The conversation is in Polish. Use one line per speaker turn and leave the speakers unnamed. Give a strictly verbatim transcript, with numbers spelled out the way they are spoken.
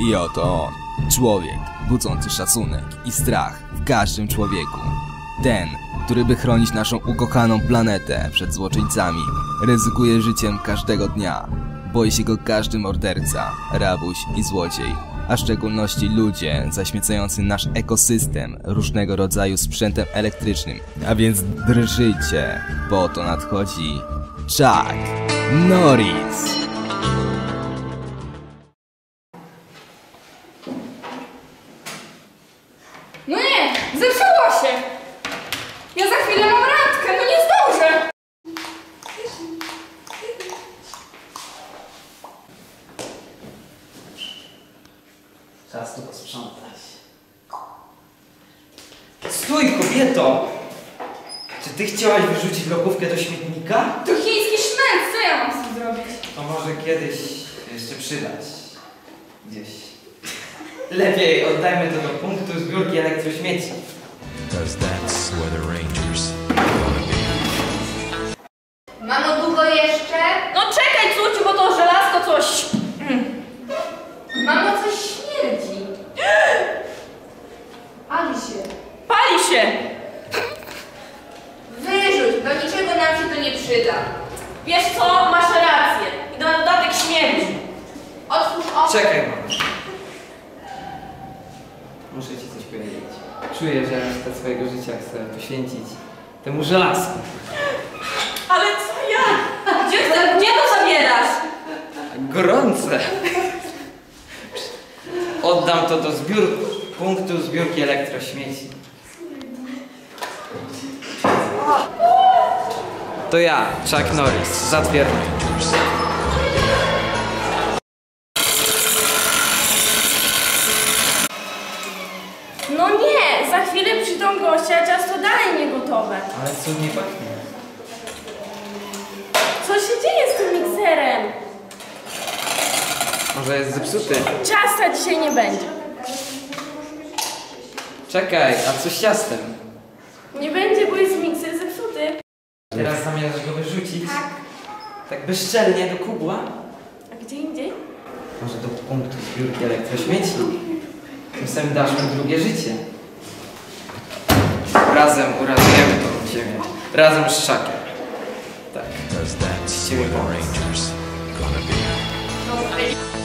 I oto on, człowiek budzący szacunek i strach w każdym człowieku. Ten, który by chronić naszą ukochaną planetę przed złoczyńcami, ryzykuje życiem każdego dnia. Boi się go każdy morderca, rabuś i złodziej, a w szczególności ludzie zaśmiecający nasz ekosystem różnego rodzaju sprzętem elektrycznym. A więc drżyjcie, bo to nadchodzi Chuck Norris.
No nie, zepsuło się! Ja za chwilę mam randkę, no nie zdążę!
Czas tu posprzątać. Stój, kobieto! Czy ty chciałaś wyrzucić lokówkę do śmietnika?
To chiński szmęt, co ja mam z tym zrobić?
To może kiedyś jeszcze przydać. Gdzieś. Lepiej oddajmy to do punktu zbiórki elektrośmieci.
Because that's where the Rangers wanna be.
Mamo, długo jeszcze?
No czekaj, córciu, bo to żelazko coś...
Mamo, coś śmierdzi. Pali się.
Pali się!
Wyrzuć, do niczego nam się to nie przyda.
Wiesz co, masz rację. I na dodatek śmierdzi.
Otwórz oko.
Czekaj, mamo. Muszę ci coś powiedzieć. Czuję, że resztę swojego życia chcę poświęcić temu żelazku.
Ale co ja? Gdzie, gdzie to zabierasz?
Gorące! Oddam to do zbiór... punktu zbiórki elektrośmieci. To ja, Chuck Norris, zatwierdzam.
No nie, za chwilę przyjdą goście, a ciasto dalej nie gotowe.
Ale cudnie pachnie.
Co się dzieje z tym mikserem?
Może jest zepsuty?
Ciasta dzisiaj nie będzie.
Czekaj, a co z ciastem?
Nie będzie, bo jest mikser zepsuty.
Teraz zamierzasz go wyrzucić?
Tak.
Tak bezczelnie do kubła?
A gdzie indziej?
Może do punktu zbiórki elektrośmieci? Tym samym dasz mu drugie życie. Razem uratujemy tą ziemię. Razem z Chuckiem. Tak.
Because that's where the Rangers gonna be.
No,